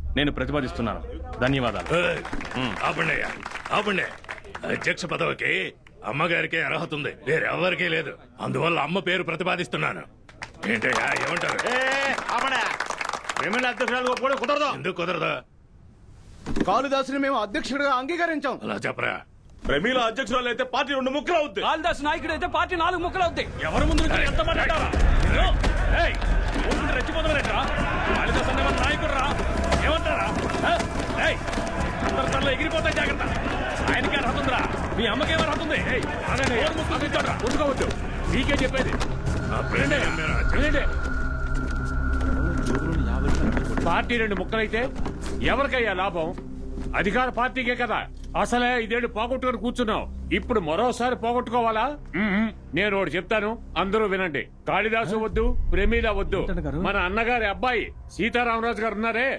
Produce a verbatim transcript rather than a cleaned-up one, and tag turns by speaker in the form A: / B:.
A: నేను ప్రతిపాదిస్తున్నాను. ధన్యవాదాలు.
B: ఆపండి ఆపండి. అధ్యక్ష పదవికి అమ్మగారికి అర్హత ఉంది, వేరెవరికీ లేదు. అందువల్ల అమ్మ పేరు ప్రతిపాదిస్తున్నాను. ఏంటయ్యా ఏమంటారు?
A: అధ్యక్షురాలు కూడా కుదరదు.
B: ఎందుకు కుదరదు?
C: కాళిదాసుని మేము అధ్యక్షుడిగా అంగీకరించాం.
B: అలా చెప్పరా?
A: ప్రమీల అధ్యక్షురాలు అయితే పార్టీ రెండు ముక్కలు అవుద్ది.
D: కాళిదాసు నాయకుడు అయితే పార్టీ నాలుగు ముక్కలు అవుతాయి.
A: ఎవరి ముందు నుంచి ఎంత మాట్లాడారా? రెచ్చిపోతారా? కాళిదాసు అనే నాయకుడు రా, ఏమంటారా? అందరిలో ఎగిరిపోతాయి, జాగ్రత్త. ఆయనకి అర్హత ఉందిరా, మీ అమ్మకి ఏమో అర్హత ఉంది. ఉంచుకోవద్దు, మీకే చెప్పేది.
E: పార్టీ రెండు ముక్కలైతే ఎవరికయ్యా లాభం? అధికార పార్టీకే కదా. అసలే ఇదేడు పోగొట్టుకుని కూర్చున్నావు, ఇప్పుడు మరోసారి పోగొట్టుకోవాలా? నేను ఒకటి చెప్తాను, అందరూ వినండి. కాళిదాసు వద్దు, ప్రమీల వద్దు. మన అన్నగారి అబ్బాయి సీతారామరాజు గారు ఉన్నారే,